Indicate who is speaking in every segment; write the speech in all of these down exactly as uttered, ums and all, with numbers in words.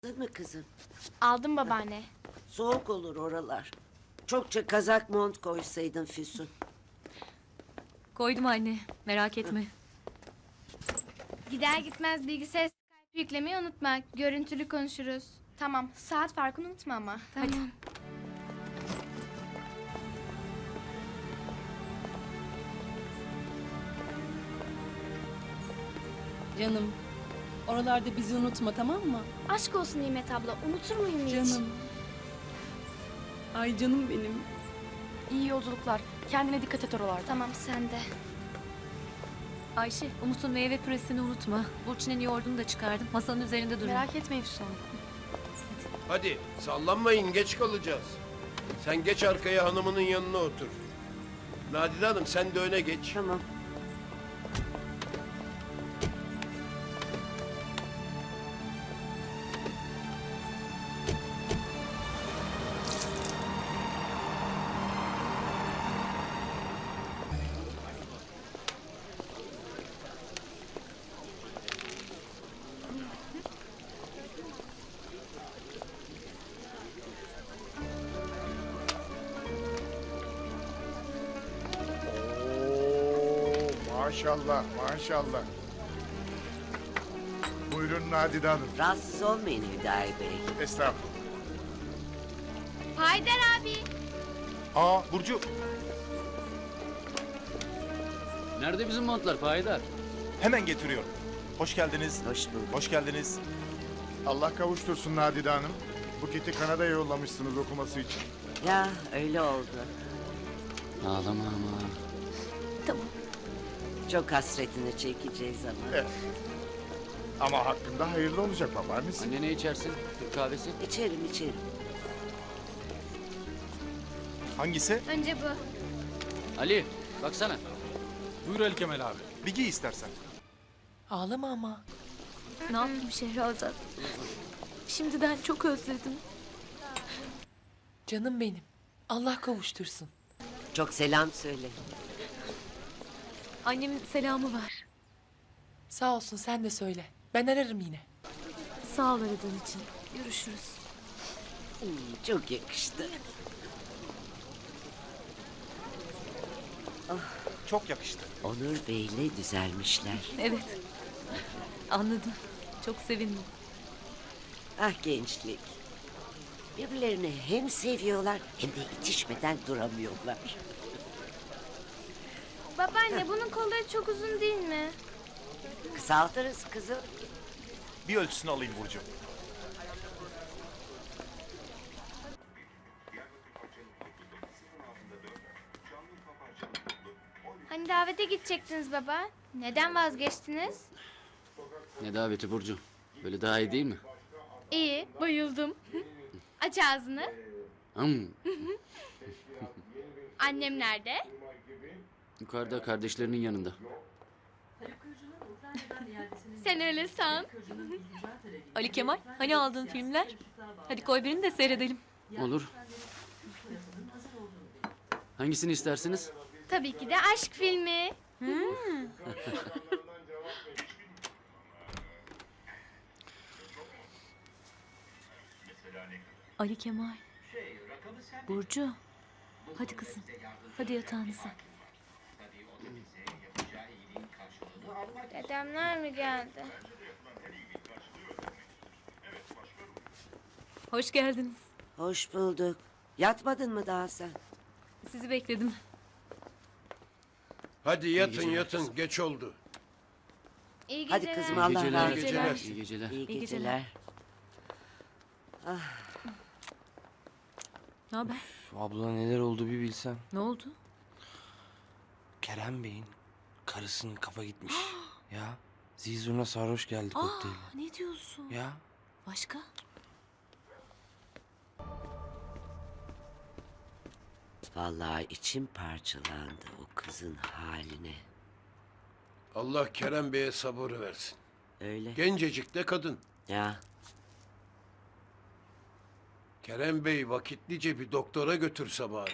Speaker 1: Aldın mı kızım?
Speaker 2: Aldım babaanne.
Speaker 1: Soğuk olur oralar. Çokça kazak mont koysaydın Füsun.
Speaker 3: Koydum anne, merak etme.
Speaker 2: Gider gitmez bilgisayar Skype yüklemeyi unutma. Görüntülü konuşuruz. Tamam. Saat farkını unutma ama. Tamam.
Speaker 3: Hadi.
Speaker 4: Canım, oralarda bizi unutma, tamam mı?
Speaker 2: Aşk olsun Nimet abla. Unutur muyum hiç?
Speaker 4: Canım. Ay canım benim.
Speaker 3: İyi yolculuklar. Kendine dikkat et oralarda.
Speaker 2: Tamam sen de.
Speaker 3: Ayşe, Umut'un meyve püresini unutma. Burçin'in yoğurdunu da çıkardım. Masanın üzerinde duruyor.
Speaker 4: Merak etme Efsun.
Speaker 5: Hadi sallanmayın, geç kalacağız. Sen geç arkaya, hanımının yanına otur. Nadide Hanım sen de öne geç.
Speaker 1: Tamam.
Speaker 6: Oo, maşallah, maşallah. Buyurun Nadide Hanım.
Speaker 1: Rahatsız olmayın Hüdayi Bey.
Speaker 6: Estağfurullah.
Speaker 2: Haydar abi.
Speaker 6: Aa, Burcu.
Speaker 7: Nerede bizim montlar Payidar?
Speaker 8: Hemen getiriyorum. Hoş geldiniz.
Speaker 1: Hoş bulduk.
Speaker 8: Hoş geldiniz.
Speaker 6: Allah kavuştursun Nadide Hanım. Buket'i Kanada'ya yollamışsınız okuması için.
Speaker 1: Ya öyle oldu.
Speaker 7: Ağlama ama.
Speaker 1: Çok hasretini çekeceğiz ama.
Speaker 6: Evet. Ama hakkında hayırlı olacak babaannesi.
Speaker 7: Anne ne içersin? Türk kahvesi?
Speaker 1: İçerim içerim.
Speaker 8: Hangisi?
Speaker 2: Önce bu.
Speaker 7: Ali baksana.
Speaker 8: Buyur Ali Kemal abi. Bir giy istersen.
Speaker 4: Ağlama ama.
Speaker 3: Ne yapayım Şehrazat? Şimdiden çok özledim.
Speaker 4: Canım benim. Allah kavuştursun.
Speaker 1: Çok selam söyle.
Speaker 3: Annemin selamı var.
Speaker 4: Sağ olsun sen de söyle. Ben ararım yine.
Speaker 3: Sağ ol aradığın için. Görüşürüz.
Speaker 1: Hmm, çok yakıştı.
Speaker 8: Çok yakıştı.
Speaker 1: Onur Bey'le düzelmişler.
Speaker 3: Evet. Anladım. Çok sevindim.
Speaker 1: Ah gençlik. Birbirlerini hem seviyorlar hem de itişmeden duramıyorlar.
Speaker 2: Babaanne bunun kolları çok uzun değil mi?
Speaker 1: Kısaltırız kızım.
Speaker 8: Bir ölçüsünü alayım Burcu.
Speaker 2: Hani davete gidecektiniz baba. Neden vazgeçtiniz?
Speaker 7: Ne daveti Burcu? Böyle daha iyi değil mi?
Speaker 2: İyi. Bayıldım. Aç ağzını.
Speaker 7: Hım.
Speaker 2: Annem nerede?
Speaker 7: Yukarıda kardeşlerinin yanında.
Speaker 2: Sen öyle san.
Speaker 3: Ali Kemal, hani aldığın filmler? Hadi koy birini de seyredelim.
Speaker 7: Olur. Hangisini istersiniz?
Speaker 2: Tabii ki de aşk filmi.
Speaker 3: Ali Kemal. Burcu. Hadi kızım. Hadi yatağınıza.
Speaker 2: Dedemler mi geldi?
Speaker 3: Hoş geldiniz.
Speaker 1: Hoş bulduk. Yatmadın mı daha sen?
Speaker 3: Sizi bekledim.
Speaker 5: Hadi yatın
Speaker 7: geceler.
Speaker 5: yatın, geç oldu.
Speaker 2: İyi
Speaker 1: Hadi
Speaker 2: geceler.
Speaker 1: kızım
Speaker 7: İyi
Speaker 1: Allah
Speaker 7: geceler.
Speaker 1: razı
Speaker 5: geceler.
Speaker 1: olsun.
Speaker 7: İyi geceler.
Speaker 1: İyi
Speaker 3: İyi
Speaker 1: geceler.
Speaker 3: Ne haber?
Speaker 9: Abla neler oldu bir bilsen.
Speaker 3: Ne oldu?
Speaker 9: Kerem Bey'in karısının kafa gitmiş. Ya zizurna sarhoş geldi
Speaker 3: Aa,
Speaker 9: kokteyle.
Speaker 3: ne diyorsun?
Speaker 9: Ya
Speaker 3: Başka?
Speaker 1: Vallahi içim parçalandı o kızın haline.
Speaker 5: Allah Kerem Bey'e sabır versin.
Speaker 1: Öyle.
Speaker 5: Gencecik de kadın.
Speaker 1: Ya
Speaker 5: Kerem Bey vakitlice bir doktora götürse bari.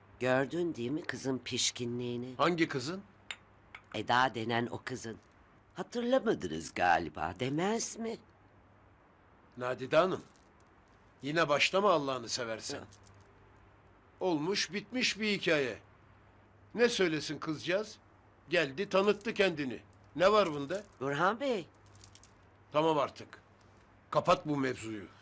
Speaker 1: gördün değil mi kızın pişkinliğini?
Speaker 5: Hangi kızın?
Speaker 1: Eda denen o kızın. Hatırlamadınız galiba, demez mi?
Speaker 5: Nadide Hanım. Yine başlama Allah'ını seversen. Olmuş bitmiş bir hikaye. Ne söylesin kızcağız? Geldi tanıttı kendini. Ne var bunda?
Speaker 1: Burhan Bey,
Speaker 5: Tamam artık. Kapat bu mevzuyu.